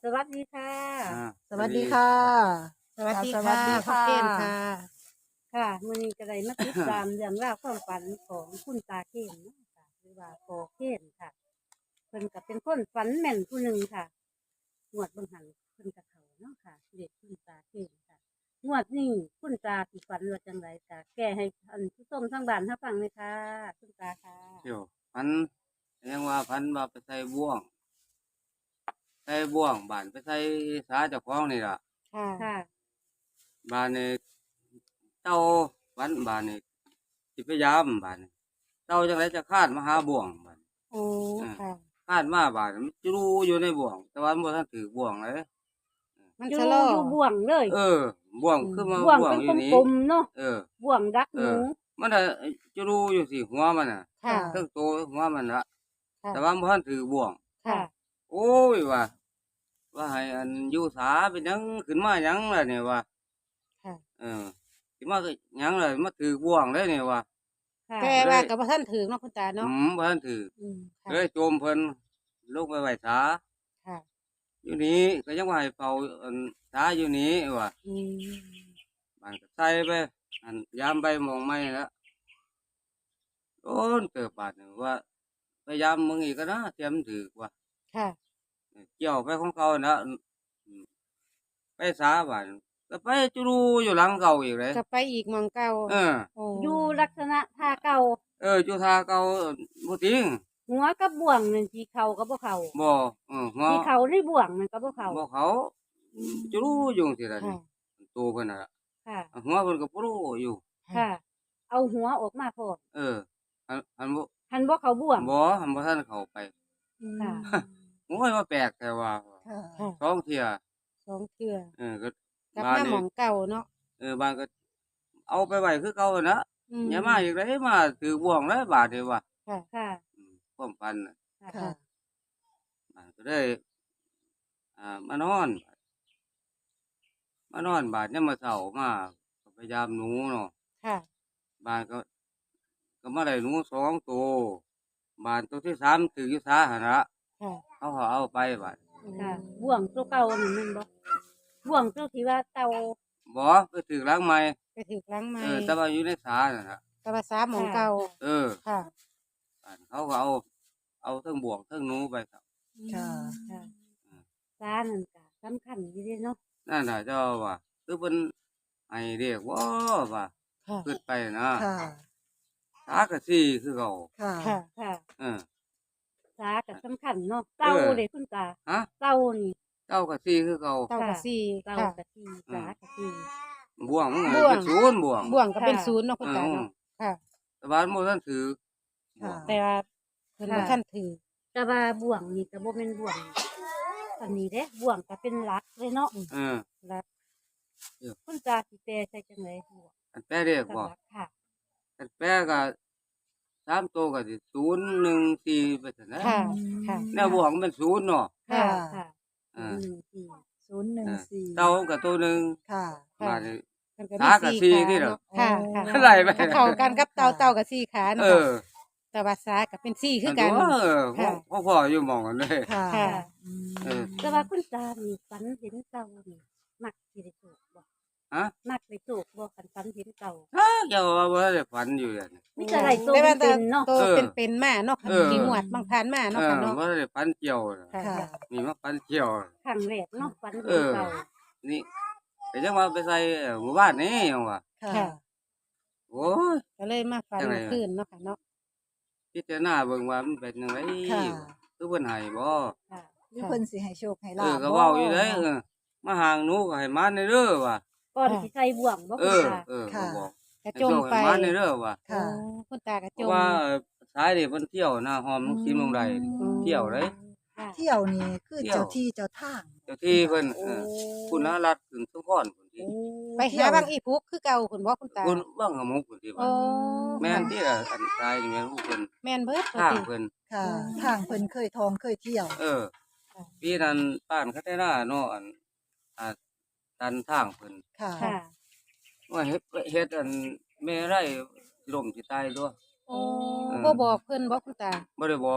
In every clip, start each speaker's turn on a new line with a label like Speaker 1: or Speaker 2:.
Speaker 1: วัสดีค่ะ
Speaker 2: สวัสดีค่ะ
Speaker 3: สวัสดี
Speaker 2: สวั
Speaker 3: ค่ะ
Speaker 2: สดี
Speaker 3: พ่อ
Speaker 2: ค่ะ
Speaker 3: เคนค่ะ
Speaker 1: ค่ะมื้อนี้ก็ได้มาติดตามเรื่องราวความฝันของคุณตาเคนเนาะค่ะหรือว่าพ่อเคนค่ะเพิ่นก็เป็นคนฝันแม่นผู้หนึ่งค่ะงวดเบิ่งหันเพิ่นก็เข้าเนาะค่ะเด็กคุณตาเคนค่ะงวดนี้คุณตาสิฝันว่าจังไดก็แก้ให้ท่านผู้ชมทางบ้านรับฟังเลยค่ะคุณตาค่ะ
Speaker 4: เที่ยวพันยังว่าพันว่าไปใส่บ่วงบ้านไปใส่สาเจ้าของนี่ล่ะ
Speaker 3: ค่ะ
Speaker 1: ค่ะ
Speaker 4: บ้านนี่เต้าวันบ้านนี่สิพยายามบ้านนี่เต้าจังไรจะคาดมาหาบ่วงบ้าน
Speaker 3: โอ้ค่ะ
Speaker 4: คาดมาบ้านมันจะรู้อยู่ในบ่วง แต่ว่ามันบ่ทันถือบ่วงเลย
Speaker 3: มัน
Speaker 1: อยู่
Speaker 3: ชะลอ
Speaker 1: อยู่บ่วงเลย
Speaker 4: บ่วงคือมา
Speaker 1: บ่วง
Speaker 4: บ่วง
Speaker 1: เป็น
Speaker 4: อยู่นี่
Speaker 1: กลมๆเนาะ
Speaker 4: เออ
Speaker 1: บ่วงดักหนู
Speaker 4: มันน่ะจะรู้อยู่สิหัวมันน่ะ
Speaker 3: ค่ะ
Speaker 4: เครื่องโตหัวมันละ
Speaker 3: ค่ะ
Speaker 4: แต่ว่ามันบ่ทันถือบ่วง
Speaker 3: ค่ะ
Speaker 4: โอ้ยว่าให้อันอยู่สาเป็นหยังขึ้นมาหยังล่ะเนี่ยว่า
Speaker 3: ค่ะ
Speaker 4: สิมาก็หยังล่ะมาถือบ่วงเลยเนี่ยว่า
Speaker 1: ค่ะ
Speaker 3: แต่ว่ากับท่านถึงเนาะคุณตาเนาะ
Speaker 4: บ่ทันถือ
Speaker 3: ค่ะ
Speaker 4: เลยโจมเพิ่นลงไปไว้สา
Speaker 3: ค่ะ
Speaker 4: อยู่นี้ก็ยังว่าให้เฝ้าอันสาอยู่นี้ว่า
Speaker 3: อืม
Speaker 4: บ้านก็ใส่ไปอันยามไปมองไม่แล้วโดนเติบบาดนี่ว่าพยายามมึงอีกก็นะเตรียมถือว่า
Speaker 3: ค่ะ
Speaker 4: เกี่ยวไปของเขานะไปสาบานก็ไปจุรูอยู่หลังเก่าอีกเลย
Speaker 3: ก็ไปอีกหมองเก่า
Speaker 4: เออ
Speaker 3: โอ้
Speaker 1: อยู่ลักษณะท่าเก่า
Speaker 4: จุธาเก่าบ่จริง
Speaker 1: หัวกับบ่วงนั่นสีเขากับบ่เขา
Speaker 4: บ่หัว
Speaker 1: สีเขาในบ่วงนั่นกับบ่เขา
Speaker 4: บ่เขาจุรูอยู่สิล่ะ
Speaker 3: ค่ะ
Speaker 4: นี่ตัวเพิ่นน่ะ
Speaker 1: ค่ะ
Speaker 4: หัวเพิ่นก็บ่รู้อยู่
Speaker 1: ค่ะ เอาหัวออกมาพอ
Speaker 4: อันบ่
Speaker 1: หันบ่เขาบ่วง
Speaker 4: อันบ่ทันเข้าไป
Speaker 1: ค่ะ
Speaker 4: โอ้ยว่าแปลกแต่ว่า
Speaker 2: ค่ะ
Speaker 3: ค่ะ
Speaker 4: สองเที่ย
Speaker 3: สองเทื่อ
Speaker 4: ก็
Speaker 3: กลับ
Speaker 4: บ้าน
Speaker 3: มาหม
Speaker 4: นี่
Speaker 3: องเก่าเนาะ
Speaker 4: บ้านก็เอาไปไว้คือเก่าน่ะ อย่ามาอีกเลยมาถือบ่วงแล้วบาดนี้ว่า
Speaker 3: ค่ะ
Speaker 1: ค่ะ
Speaker 4: ความฝันน่ะ
Speaker 1: ค่ะ
Speaker 2: ค่ะ
Speaker 4: ก็ได้มานอนบาดเนี่ยามมาเช้ามาก็พยายามหนูเนาะ
Speaker 3: ค่ะ
Speaker 4: บานก็มาได้หนู2ตัวบานตัวที่3ถืออยู่ซาหั่นล่ะ
Speaker 3: ค่ะ
Speaker 4: เขาก็เอาไปบาด
Speaker 1: ค่ะบ่วงตัวเก่านั่นแม่นบ่บ่วงตัวที่ว่าเก่า
Speaker 4: บ่ไปถือหลังใหม่
Speaker 3: ไปถึกหลังไม้
Speaker 4: แต่ว่าอยู่ในสานั่นล่ะ
Speaker 3: กระบาสาหมองเก่า ค่ะ
Speaker 4: บานเขาก็เอาเทั้งบ่วงเทั้งหนูไปครับ
Speaker 2: ค่ะ
Speaker 1: ค่ะซานั่นก็สำคัญอยู่เด้เนาะ
Speaker 4: นั่นน่ะเจ้าว่าคือเพิ่นให้เรียกว่า
Speaker 3: ค่ะ
Speaker 4: ขึ้นไปนะ
Speaker 2: ค่ะ
Speaker 4: สากะซี่คือเขา
Speaker 2: ค่ะ
Speaker 3: ค่ะ
Speaker 1: ค่ะ
Speaker 4: เออ
Speaker 1: ซาก็สำคัญเนาะเก่าเด้คุณตา
Speaker 4: ฮะ
Speaker 1: เก่านี่
Speaker 4: เจ้ากะซี่คือเขา
Speaker 3: เต่ากระซี่
Speaker 1: เก่า
Speaker 3: ค่ะ
Speaker 1: กะทิซากะทิ
Speaker 4: บ่วงมันก็
Speaker 3: บ่วง
Speaker 4: เป็นศูนย์บ่วง
Speaker 3: บ่วงก็เป็นศูนย์เนาะคุณตาเนาะค่ะ
Speaker 4: แต่ว่าบ่ทันถือ
Speaker 2: ค่ะ
Speaker 3: แต่ว่าเพิ่นบ่ท่านถือ
Speaker 1: แต่ว่าบ่วงนี่ก็บ่แม่นบ่วงอันนี้เด้บ่วงก็เป็นหลักเลยเนาะ
Speaker 4: เออ
Speaker 1: หลัก
Speaker 4: เออ
Speaker 1: คุณตาสิแปลใส่จังได๋บ่วง
Speaker 4: อันแปลเรียก
Speaker 1: กับ
Speaker 4: บ่
Speaker 1: หลักค่ะ
Speaker 4: อันแปลก็3ตัวก็สิ014ไปซั่นนะ
Speaker 3: ค่ะ ค่ะ
Speaker 4: แนวบ่วงมันเป็นศูนย์เนาะ
Speaker 1: ค่ะ
Speaker 2: ค่ะ
Speaker 1: ค่ะ
Speaker 4: เออ
Speaker 1: สี่
Speaker 2: 014
Speaker 4: เต้าก็ตัวหนึง
Speaker 2: ค่ะ
Speaker 4: บาดนี้
Speaker 3: มันก็
Speaker 4: สากับสี่นี่เหรอ
Speaker 3: ค่ะค่ะ
Speaker 4: อะไรไป
Speaker 3: ก็เข้ากันกับเต่ากับสี่ขา
Speaker 4: เอ
Speaker 3: เนาะ
Speaker 4: อ
Speaker 3: แต่ว่าสากับเป็นสี่คือกัน
Speaker 4: เออ
Speaker 3: ค่ะ
Speaker 4: พ่ออยู่หมองกันเลย
Speaker 2: ค่ะ
Speaker 3: ค่ะ
Speaker 2: อืม
Speaker 4: เออ
Speaker 1: แต่ว่าคุณตานี่ฝันเห็นเก่านี่มักสิได้โชคบ่
Speaker 4: ฮะ
Speaker 1: มักได้โชคบ่คันฝันเห็นเก่า
Speaker 4: เจ้าว่าบ่ได้ฝันอยู่อย่างนี้
Speaker 1: มีแต่ได้โต
Speaker 3: แต่ว่า
Speaker 1: เป็นๆเนาะ
Speaker 3: โต
Speaker 4: เออ
Speaker 3: เป็นมาเนาะ
Speaker 4: เออ
Speaker 3: กี่หมวดบางทานมาเนาะค่ะเนาะ
Speaker 4: บ่ได้ฝันเกี่ยวน่ะ
Speaker 3: ค่ะ
Speaker 2: ค่ะ
Speaker 4: มีมาฝันเกี่ยว
Speaker 1: ครั้งแรกเนาะฝัน
Speaker 4: เอ
Speaker 1: เห็น
Speaker 4: อ
Speaker 1: เก่า
Speaker 4: นี่ก็ยังว่าไปใส่หมู่บ้านนี่ยังว่า
Speaker 2: ค่ะ
Speaker 3: ค่ะ
Speaker 4: โอ้ย
Speaker 3: ก็เลยมาฝัน
Speaker 4: จังไง
Speaker 3: เมื่อคืนเนาะค่ะเนาะ
Speaker 4: พิจารณาเบิ่งว่ามันเป็นจังได
Speaker 2: ค่ะ
Speaker 4: คือเพิ่นให้บ่
Speaker 1: ค่ะ
Speaker 2: มีเพิ่นสิให้โชคให้ลาบ
Speaker 4: ก็เว้าอยู่เด้มาห่างหนูก็ให้มาในเด้อว่า
Speaker 1: ก่อนสิใส่บ่วงบ่
Speaker 4: เอ
Speaker 1: คุณ
Speaker 4: อ
Speaker 1: ตา
Speaker 4: ก็บอก
Speaker 3: กระ
Speaker 4: ให้
Speaker 3: จม
Speaker 4: โชค
Speaker 3: ไป
Speaker 4: ให้มาในเด้อว่า
Speaker 2: ค่ะ
Speaker 3: โอ้คุณตากระ
Speaker 4: เพ
Speaker 3: จ
Speaker 4: ราะ
Speaker 3: ม
Speaker 4: ว่าสายนี่เพิ่นเที่ยวนะหอมลูกชิ้นลงใดนี่
Speaker 3: อืม
Speaker 4: เที่ยวเลย
Speaker 1: ค่ะ
Speaker 2: เที่ยวนี่คือ
Speaker 4: เที่ยว
Speaker 2: เจ้าที่เจ้าทาง
Speaker 4: เจ้าที่เพิ่น
Speaker 3: โอ้
Speaker 4: คุณนรัตน์ขึ้นสุพรพุ่นที่
Speaker 3: ไปหาบางอีพุกคือเก่าคุณบ่คุณตา
Speaker 4: คุณว่างหมุกพุ่นที่
Speaker 3: โอ้
Speaker 4: ว่าแม่นที่ละอันตายนี่แม่นผู้เพิ่น
Speaker 3: แม่นเบิด
Speaker 4: ทาง
Speaker 3: ติ
Speaker 4: เพิ่น
Speaker 2: ค่ะ ทางเพิ่นเคยทองเคยเที่ยว
Speaker 4: เออ
Speaker 3: ค่ะ
Speaker 4: ปีนั้นป้านคาเทนาเนาะอันอ่าตันทางเพิ่น
Speaker 2: ค่ะ
Speaker 1: ค่ะ
Speaker 4: ว่าเฮ็ดอันแม่ไร่สิล่มสิตายตัว
Speaker 3: โอ้บ่บอกเพิ่นบ่คุณตา
Speaker 4: บ่ได้บอก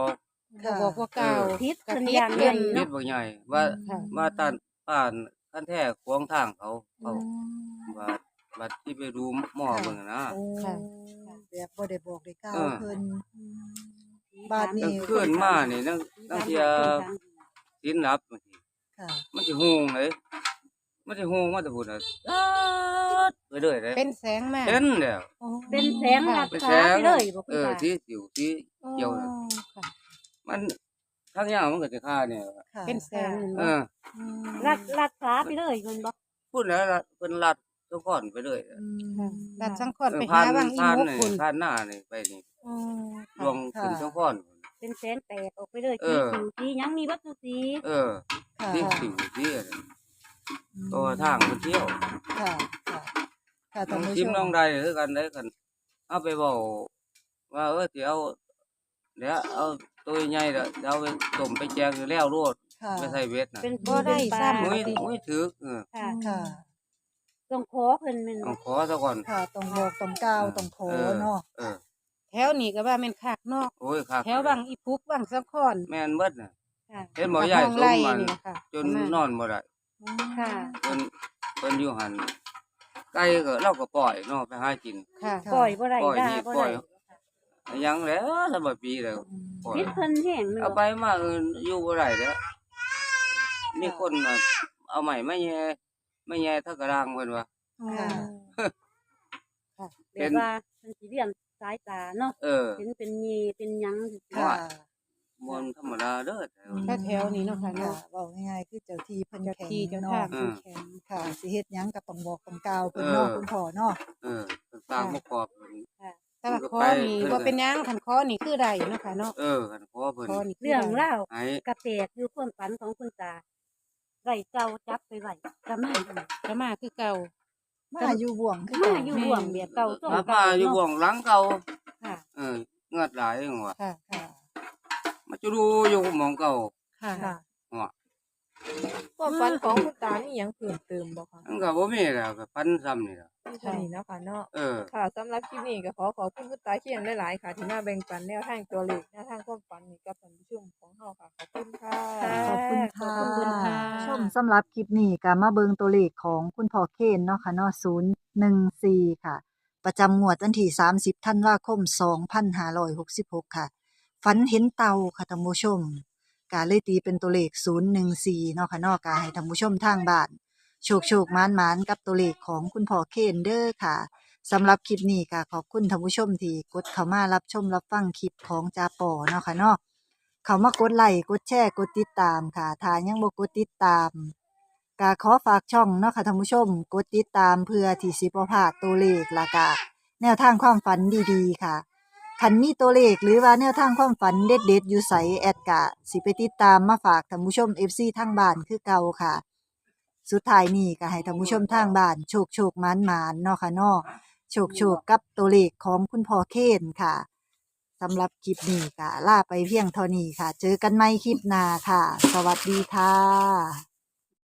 Speaker 2: ค่ะ
Speaker 3: บอกว่าเก่า
Speaker 1: พิษ
Speaker 3: กับ
Speaker 1: เพิ่น
Speaker 3: พิษ
Speaker 1: อย่าง
Speaker 3: เพิ่น
Speaker 1: ใหญ่
Speaker 4: เฮ็ดบ่ใหญ่ว่า
Speaker 3: ค่ะ
Speaker 4: มาต้านป้านคันแท้ขวางทางเขาเขา
Speaker 2: อืม
Speaker 4: ว่าบัดที่ไปดูหมอเบิ่งอะนะ
Speaker 2: โอ้
Speaker 3: ค่ะ
Speaker 2: แบบบ่ได้บอกได้กล่าว
Speaker 4: เออ
Speaker 2: เพิ่น
Speaker 1: ผี
Speaker 2: บาดนี้
Speaker 4: กลางคืนมานี่นั่งเที่ย ศีลหลับบางที
Speaker 2: ค่ะ
Speaker 4: มันสิฮู้เลยมันสิฮู้มาแต่พุ่นน่ะไปเรื่อยเลย
Speaker 3: เป็นแสงมา
Speaker 4: เห็นแล้ว
Speaker 3: อ๋อ
Speaker 1: เป็นแสงลัด
Speaker 4: เป็น
Speaker 1: ฟ้า
Speaker 4: แสง
Speaker 1: ไปเลยบ่คุณ
Speaker 4: เออ
Speaker 1: ตา
Speaker 4: ที่สิวที่เกี่ยวน่ะ
Speaker 3: อ๋อค่ะ
Speaker 4: มันทั้งอย่างมันก็สิฆ่าเนี่ย
Speaker 2: ค่ะ
Speaker 3: เป็นแสง
Speaker 4: เอ
Speaker 3: เนาะ
Speaker 4: อ
Speaker 1: ลัดฟ้าไปเลยมันบ่
Speaker 4: พูดแล้วล่ะเพิ่นลัดทุกคนไปเลย
Speaker 2: อืม
Speaker 3: ค่ะดัดสังขอนไป
Speaker 4: ผ่า
Speaker 3: หาน บางอี
Speaker 4: ผ่าน
Speaker 3: มุก
Speaker 4: นี่
Speaker 3: คุณ
Speaker 4: ผ่านหน้านี่ไปนี่
Speaker 3: อ๋อ
Speaker 4: รวมขึ้นทุกคน
Speaker 1: เป็นแสงแตกออกไปเลย
Speaker 4: เอ
Speaker 1: สี
Speaker 4: อ
Speaker 1: สิวสีหยังมีวัตถุสี
Speaker 4: เออ
Speaker 2: ค่ะ
Speaker 4: ที่สิวที่ตัวทางมันเที่ยว
Speaker 2: ค่ะ ค่ะค่ะท่านผู้ช
Speaker 4: ทิม
Speaker 2: ม
Speaker 4: น้องใดคือกันได้กัน เอาไปบอกว่าสิเอาเดี๋ยวเอาตัวใหญ่เด้อเอาไปต้มไปแจงอยู่แล้วโลด
Speaker 2: ค่ะ
Speaker 4: ไม่ใส่เวทน่ะ
Speaker 1: เป็น
Speaker 3: บ่ได้ซ้ำ
Speaker 4: มุ้ย
Speaker 3: ปกติ
Speaker 4: มุ้ยถือ
Speaker 1: ค่ะ
Speaker 2: ค่ะ
Speaker 1: ต้องขอเพิ่นแม่น
Speaker 4: ต้อ
Speaker 1: บ่
Speaker 4: งขอซะก่อน
Speaker 2: ค่ะต้องบอกต้องกล่าวต้องขอเนาะ
Speaker 4: เออ
Speaker 3: แถวนี้ก็ว่าแม่นคักเนาะ
Speaker 4: โอ้ยคัก
Speaker 3: แถวบางอีพุกบางสังขอน
Speaker 4: แม่นเบิดน่ะ
Speaker 1: ค่ะ
Speaker 4: เห็นบ่ใหญ่
Speaker 3: ห้อง
Speaker 4: สม
Speaker 3: ไร่
Speaker 4: มัน
Speaker 3: นี่แหละค่ะ
Speaker 4: จนนอนบ่ได้
Speaker 1: ค่ะ
Speaker 4: เพิ่นอยู่หั่นไก่ก็เราก็ปล่อยเนาะไปหากิน
Speaker 3: ค่ะ
Speaker 2: ค่ะ
Speaker 1: ปล่อยบ่ได้
Speaker 4: ปล่อย
Speaker 1: ด่า
Speaker 4: นี่
Speaker 1: บ่
Speaker 4: ปล่อ
Speaker 1: ได้
Speaker 4: ย ยังแล้วสำหรับปีแล้วปล่อย
Speaker 1: พิษเพิ่นแห้งแม่น
Speaker 4: เอา
Speaker 1: บ่
Speaker 4: ไปมาอยู่บ่ได้เด้อมีคนน่ะเอาใหม่มาแย่มาแย่เท่ากระรังเพิ่นว่า
Speaker 2: ค่ะ
Speaker 3: ค่ะ
Speaker 1: แบบว่าเพิ่นสิเรียนสายตาเนาะ
Speaker 4: เออ
Speaker 1: เห็นเป็นยีเป็นหยังสิ
Speaker 2: ค่ะ
Speaker 4: บ่ธรรมดาเด้อ
Speaker 3: ถ้าแถวนี้เนาะค่ะ
Speaker 2: ค่ะ
Speaker 3: เนาะ
Speaker 2: เว้าง่ายๆคือเจ้าที่เพิ่น
Speaker 3: เจ้า
Speaker 2: แข็ง
Speaker 3: ที่เจ้า
Speaker 2: เนาะ
Speaker 3: ทางผู้แข็ง
Speaker 2: ค่ะสิเฮ็ดหยังก็ต้องบอกต้องกล่าวเพิ่นเนาะคุณพ่อเนาะ
Speaker 4: เออต่างบ่กรอบเพิ่น
Speaker 3: แต่ว่าคอนี่บ่เป็นหยังคันคอนี่คือได้เนาะค่ะเนาะ
Speaker 4: เออกันขอเพิ่น
Speaker 3: คอนี่คื
Speaker 1: เรื่อง
Speaker 3: ได้
Speaker 1: ราว
Speaker 4: ให้
Speaker 1: กระแตกอยู่ความฝันของคุณตาไว้เก่าจับไปไว้ก็มาอีก
Speaker 3: ก็มาคือเก่า
Speaker 2: มาอยู่บ่วงคือ
Speaker 1: มา
Speaker 2: เก่า
Speaker 1: อยู่บ่วงแบบเก่าส่ง
Speaker 4: มา
Speaker 1: เก่า
Speaker 4: อยู่
Speaker 1: เนาะ
Speaker 4: บ่วงหลังเก่า
Speaker 1: ค่ะ
Speaker 4: เงือดหลายจังว่า
Speaker 3: ค่ะ
Speaker 2: ค่ะ
Speaker 4: มาจะดูอยู่หม่องเก่า
Speaker 3: ค่ะ
Speaker 2: ค่ะ
Speaker 5: ความฝันของคุณตานี่ยังเพิ่มเติมบ่คะ
Speaker 4: มันก็บ่มีแล้วก็พันซ้ำนี่ล่ะ
Speaker 5: มีเท่านี้เนาะค่ะเนาะ
Speaker 4: เออ
Speaker 5: ค่ะสำหรับคลิปนี้ก็ขอขอบคุณคุณตาเขียนหลายๆค่ะ ที่มาแบ่งปันแนวทางตัวเลขแนวทางความฝันนี้กับท่านผู้ชมของเราค่ะ ขอบคุณค่ะ
Speaker 2: ขอบคุณค่ะ
Speaker 3: ขอบคุณค่ะ
Speaker 2: ชมสำหรับคลิปนี้ก็มาเบิงตัวเลขของคุณพ่อเคนเนาะค่ะเนาะ014 ค่ะ ประจำงวดวันที่30ธันวาคม2566 ค่ะ ฝันเห็นเต่าค่ะท่านผู้ชมก็เลยตีเป็นตัวเลข014เนาะค่ะเนาะก็ให้ท่านผู้ชมทางบ้าน โชคๆหมานๆกับตัวเลขของคุณพ่อเคนเด้อค่ะสำหรับคลิปนี้ก็ขอบคุณท่านผู้ชมที่กดเข้ามารับชมรับฟังคลิปของจาปอเนาะค่ะเนาะ เขามากดไลค์กดแชร์กดติดตามค่ะถ้ายังบ่กดติดตามก็ขอฝากช่องเนาะค่ะท่านผู้ชมกดติดตามเพื่อที่สิบ่พลาดตัวเลขแล้วก็แนวทางความฝันดีๆค่ะคันมีตัวเลขหรือว่าแนวทางความฝันเด็ดๆอยู่ไสแอดกะสิไปติดตามมาฝากท่านผู้ชม FC ทางบ้านคือเก่าค่ะ สุดท้ายนี้ก็ให้ท่านผู้ชมทางบ้านโชคๆหมานๆเนาะค่ะเนาะโชคๆกับตัวเลขของคุณพ่อเคนค่ะ สำหรับคลิปนี้ก็ลาไปเพียงเท่านี้ค่ะ เจอกันใหม่คลิปหน้าค่ะ สวัสดีค่ะ